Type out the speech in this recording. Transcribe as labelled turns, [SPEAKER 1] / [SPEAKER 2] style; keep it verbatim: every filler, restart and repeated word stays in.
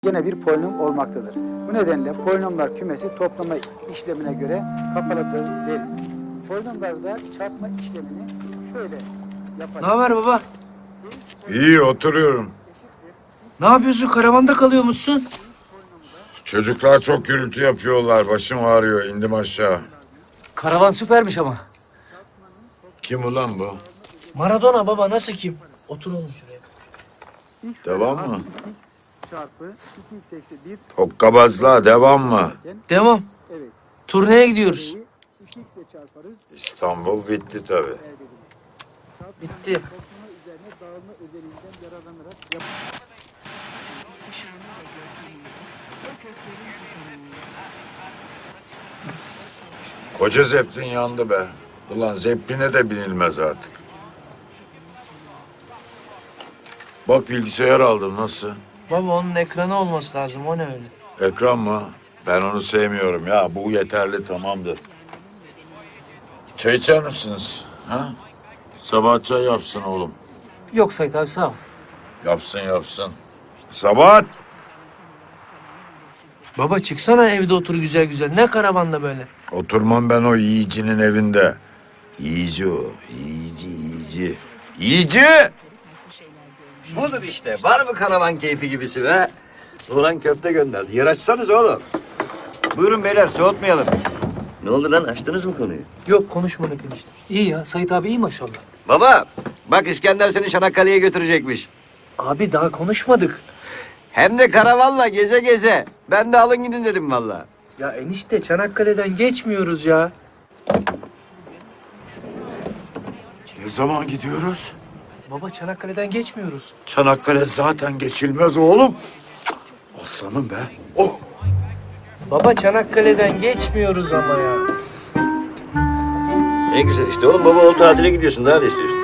[SPEAKER 1] Gene bir polinom olmaktadır. Bu nedenle polinomlar kümesi toplama işlemine göre kapalıdır deriz. Polinomlarda çarpma işlemini şöyle yaparız.
[SPEAKER 2] Ne haber baba?
[SPEAKER 3] İyi, oturuyorum.
[SPEAKER 2] Ne yapıyorsun? Karavanda kalıyormuşsun.
[SPEAKER 3] Çocuklar çok gürültü yapıyorlar. Başım ağrıyor. İndim aşağı.
[SPEAKER 4] Karavan süpermiş ama.
[SPEAKER 3] Kim ulan bu?
[SPEAKER 2] Maradona baba, nasıl kim? Otur oğlum şuraya.
[SPEAKER 3] Devam mı?
[SPEAKER 1] Çarpı iki x eksi bir.
[SPEAKER 3] Hokkabazlığa devam mı?
[SPEAKER 2] Devam.
[SPEAKER 1] Evet.
[SPEAKER 2] Turneye gidiyoruz.
[SPEAKER 1] iki x ile çarparız.
[SPEAKER 3] İstanbul bitti tabii.
[SPEAKER 2] Bitti.
[SPEAKER 1] Toplama üzerine dağılma özelliğinden yararlanarak yap.
[SPEAKER 3] Koca Zeppelin yandı be. Ulan Zeppelin'e de binilmez artık. Bak bilgisayar aldım, nasıl?
[SPEAKER 2] Baba onun ekranı olması lazım. O ne öyle?
[SPEAKER 3] Ekran mı? Ben onu sevmiyorum ya. Bu yeterli, tamamdır. Çay içer misiniz? Ha? Sabah çay yapsın oğlum.
[SPEAKER 4] Yok Sait abi sağ ol.
[SPEAKER 3] Yapsın yapsın. Sabah.
[SPEAKER 2] Baba çıksana, evde otur güzel güzel. Ne karavanda böyle?
[SPEAKER 3] Oturmam ben o yiyicinin evinde. Yiyici o. Yiyici, yiyici. Yiyici!
[SPEAKER 5] Budur işte. Var mı karavan keyfi gibisi be? Ulan köfte gönderdi. Yer açsanız oğlum. Buyurun beyler, soğutmayalım. Ne oldu lan? Açtınız mı konuyu?
[SPEAKER 2] Yok, konuşmadık enişte.
[SPEAKER 4] İyi ya Sait abi iyi maşallah.
[SPEAKER 5] Baba, bak İskender seni Çanakkale'ye götürecekmiş.
[SPEAKER 2] Abi daha konuşmadık.
[SPEAKER 5] Hem de karavanla geze geze. Ben de alın gidin dedim valla.
[SPEAKER 2] Ya enişte, Çanakkale'den geçmiyoruz ya.
[SPEAKER 3] Ne zaman gidiyoruz?
[SPEAKER 2] Baba Çanakkale'den geçmiyoruz.
[SPEAKER 3] Çanakkale zaten geçilmez oğlum. Aslanım be. Oh.
[SPEAKER 2] Baba Çanakkale'den geçmiyoruz ama ya.
[SPEAKER 5] Ne güzel işte oğlum. Baba ol tatile gidiyorsun. Daha ne istiyorsun?